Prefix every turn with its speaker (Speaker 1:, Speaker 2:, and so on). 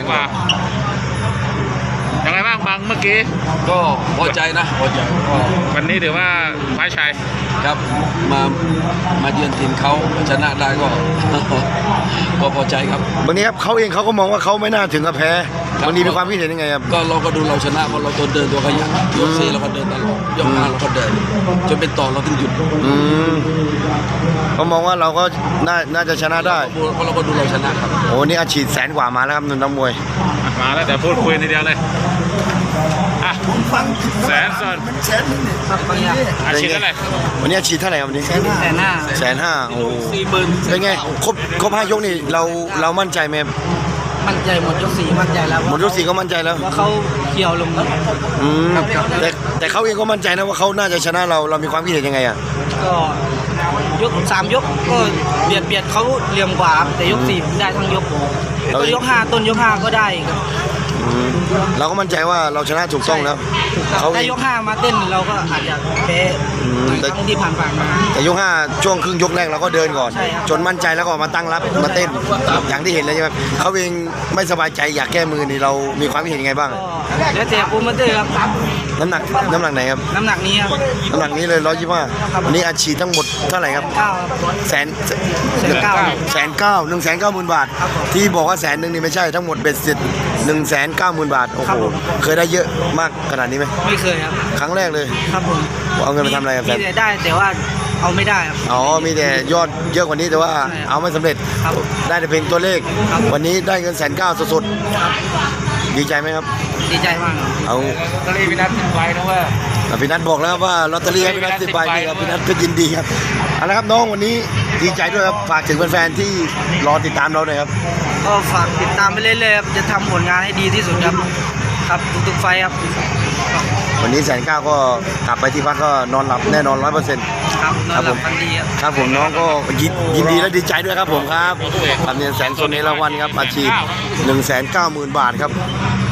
Speaker 1: กว่ายังไงบ้างบางเมื่อกี้
Speaker 2: ก็พอใจนะพอใจก็
Speaker 1: วันนี้ถือว่าคว้าชัย
Speaker 2: ครับมาเยือนทีมเขาชนะได้ก็ ก็พอใจครับ
Speaker 3: วันนี้ครับเขาเองเขาก็มองว่าเขาไม่น่าถึงกับแพ้วันนี้มีความคิดเห็นยังไงครับ
Speaker 2: ก็เราก็ดูเราชนะเพราะเราตัวเดินตัวขยันยก4เราก็เดินตลอดยก5เราก็เดินจนเป็นต่อเราถึงหยุด
Speaker 3: เขามองว่าเราก็น่าจะชนะได้
Speaker 2: เพราะเราก็ดูเราชนะครับ
Speaker 3: โอ้นี่อาชีพแสนกว่ามาแล้วครับนักมวย
Speaker 1: มาแล้วเดี๋ยวพูดคุยทีเดียวเลยอ่ะแสนส่วน
Speaker 4: ครับบางอย่าง
Speaker 1: อาชีพเท่าไหร่
Speaker 3: วันนี้อาชีพเท่าไหร่ครับวันนี้
Speaker 4: แต่หน้า
Speaker 3: 150,000โอ้
Speaker 2: 40,000
Speaker 3: เป็นไงครบ5 ยกนี่เรามั่นใจไหมครับ
Speaker 4: มั่นใจหมดยก4มั่นใจแล้ว
Speaker 3: หมดยก 4ก็มั่นใจแล้ว
Speaker 4: ว่าเขาเกี่ยวลงแล้ว
Speaker 3: แต่เขาเองก็มั่นใจนะว่าเขาน่าจะชนะเรามีความคิดเห็นยังไงอ่ะ
Speaker 4: ก็ยก3ยกก็เบียดเขาเหลี่ยมกว่าครับแต่ยก4ได้ทั้งยกต้นยก5ต้นยก5ก็ได้ครับ
Speaker 3: เราก็มั่นใจว่าเราชนะถูกต้องแล้วเขา
Speaker 4: ถ้ายก5มาเต้นเราก็อาจจะแพ้ทั้งที่ผ่านๆมา
Speaker 3: แต่ยก5ช่วงครึ่งยกแรกเราก็เดินก่อน
Speaker 4: ใช่ครับ
Speaker 3: จนมั่นใจแล้วก็มาตั้งรับมาเต้นอย่างที่เห็นเลยใช่ไหมเขาเองไม่สบายใจอยากแก้มือนี่เรามีความคิดเห็นยังไงบ้าง
Speaker 4: ก็แล้วแต่โปรโมเตอร์ครับ
Speaker 3: น้ำหนักไหนครับ
Speaker 4: น้ำหนักนี้ครับ
Speaker 3: น้ำหนักนี้เลย125วันนี้อาชีพทั้งหมดเท่าไหร่ครับ
Speaker 4: 9ครับ
Speaker 3: แสน
Speaker 4: 190,000
Speaker 3: 190,000 บาท
Speaker 4: ครับผม
Speaker 3: ที่บอกว่า100,000นี่ไม่ใช่ทั้งหมดเบ็ดเสร็จ190,000 บาทโอ้
Speaker 4: ครั
Speaker 3: โห
Speaker 4: บผม
Speaker 3: เคยได้เยอะมากขนาดนี้ไหม
Speaker 4: ไม่เคยครับ
Speaker 3: ครั้งแรกเลย
Speaker 4: ครับผม
Speaker 3: เอาเงินไปทำอะไรครับแส
Speaker 4: มี
Speaker 3: น
Speaker 4: แต่ได้แต่ว่าเอาไม่ได้ครับ
Speaker 3: อ๋อมีแต่ยอดเยอะกว่านี้แต่ว่า
Speaker 4: ใช่ครับ
Speaker 3: เอาไม่สำเร็จ
Speaker 4: ครับ
Speaker 3: ได้แต่เพียงตัวเลข
Speaker 4: ครับ
Speaker 3: วันนี้ได้เงิน190,000สด
Speaker 4: ครับ
Speaker 3: ๆดีใจไหมครับ
Speaker 4: ดีใจมากครับ
Speaker 3: เอา
Speaker 1: ก็เลยพี่นัททิ้งไว้นะว่า
Speaker 3: พี่นัทบอกแล้วครับว่าลอตเตอรี่ให้พี่นัท10 ใบนี่ครับพี่นัทก็ยินดีครับเอาละครับน้องวันนี้ดีใจด้วยครับฝากถึงแฟนๆที่รอติดตามเราหน่อยครับ
Speaker 4: ก็ฝากติดตามไปเรื่อยๆครับจะทำผลงานให้ดีที่สุดครับครับทุกๆไฟท์ครับ
Speaker 3: วันนี้190,000ก็กลับไปที่พักก็นอนหลับแน่นอน 100%
Speaker 4: ครับนอนหลับฝันดีครับ
Speaker 3: ครับผมน้องก็ยินดีและดีใจด้วยครับผมครับทำเงินแสนโซนในรางวัลครับอาชีพ190,000 บาทครับ